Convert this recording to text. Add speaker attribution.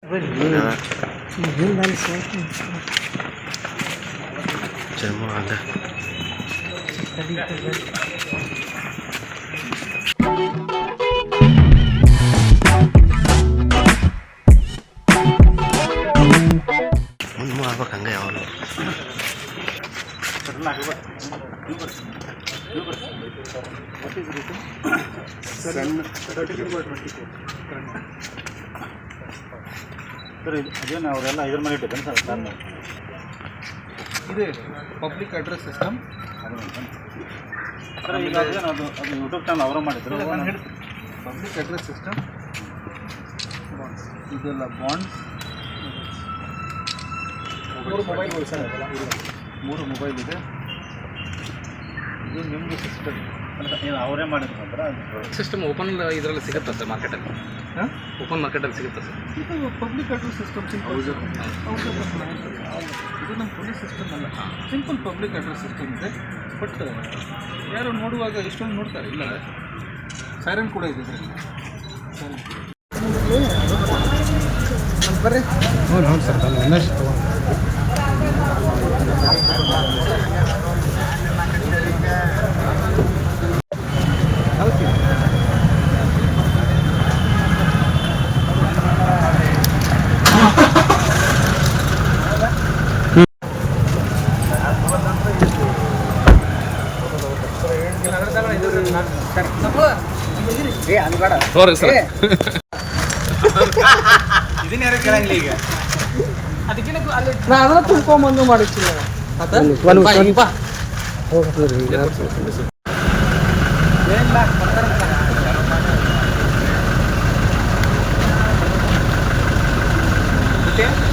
Speaker 1: Jangan mau ada. Mau apa kan gak ya Allah?
Speaker 2: Sir ಅದೇನು ಅವರೆಲ್ಲ ಇದ್ರ ಮೇಲೆ ಇಟ್ಟಿದ್ದೇನೆ ಸರ್ ಸರ್
Speaker 3: ಇದೆ ಪಬ್ಲಿಕ್ ಅಡ್ರೆಸ್ ಸಿಸ್ಟಮ್.
Speaker 2: ಸರ್ ಈಗ ಅದೇನು ಅದು ಯೂಟ್ಯೂಬ್ ಚಾನಲ್ ಅವರು ಮಾಡಿದ್ರು.
Speaker 3: ಪಬ್ಲಿಕ್ ಅಡ್ರೆಸ್ ಸಿಸ್ಟಮ್ ಇದೆಲ್ಲ ಬಾಂಡ್ಸ್, 3 ಮೊಬೈಲ್ಗಳು ಸರ್, 3 ಮೊಬೈಲ್ ಇದೆ. ಇದು ನಿಮ್ಮದು ಸಿಸ್ಟಮ್
Speaker 2: ಏನು ಅವರೇ ಮಾಡಿದ್ರು ಅಂದ್ರೆ
Speaker 4: ಸಿಸ್ಟಮ್ ಓಪನ್ ಇದರಲ್ಲಿ ಸಿಗುತ್ತೆ ಸರ್ ಮಾರ್ಕೆಟಲ್ಲಿ.
Speaker 3: ಹಾಂ,
Speaker 4: ಓಪನ್ ಮಾರ್ಕೆಟಲ್ಲಿ ಸಿಗುತ್ತೆ ಸರ್.
Speaker 3: ಇದು ಪಬ್ಲಿಕ್ ಅಡ್ರೆಸ್ ಸಿಸ್ಟಮ್ ಸಿಂಪಲ್. ಇದು ನಮ್ಮ ಪೊಲೀಸ್ ಸಿಸ್ಟಮ್ ಅಲ್ಲ, ಸಿಂಪಲ್ ಪಬ್ಲಿಕ್ ಅಡ್ರೆಸ್ ಸಿಸ್ಟಮ್ ಇದೆ. ಬಟ್ ಯಾರು ನೋಡುವಾಗ ಇಷ್ಟೊಂದು ನೋಡ್ತಾರೆ ಇಲ್ಲ, ಸೈರನ್ ಕೂಡ ಇದೆ ಇದರಲ್ಲಿ. ಬರ್ರಿ. ಹ್ಞೂ ಸರ್, ನಾನು ಇನ್ನಷ್ಟು ತೊಗೊಂಡು
Speaker 4: ನೋಡಿ ಸರ್,
Speaker 1: ಇದನ್ನ ಯಾರು ಕೇಳಂಗಿಲ್ಲ ಈಗ.
Speaker 3: ನಾ ಅದನ್ನ ತುಂಬ್ಕೊಂಬಂದು ಮಾಡಿರ್ತೀನಿ.
Speaker 1: ಮತ್ತೆ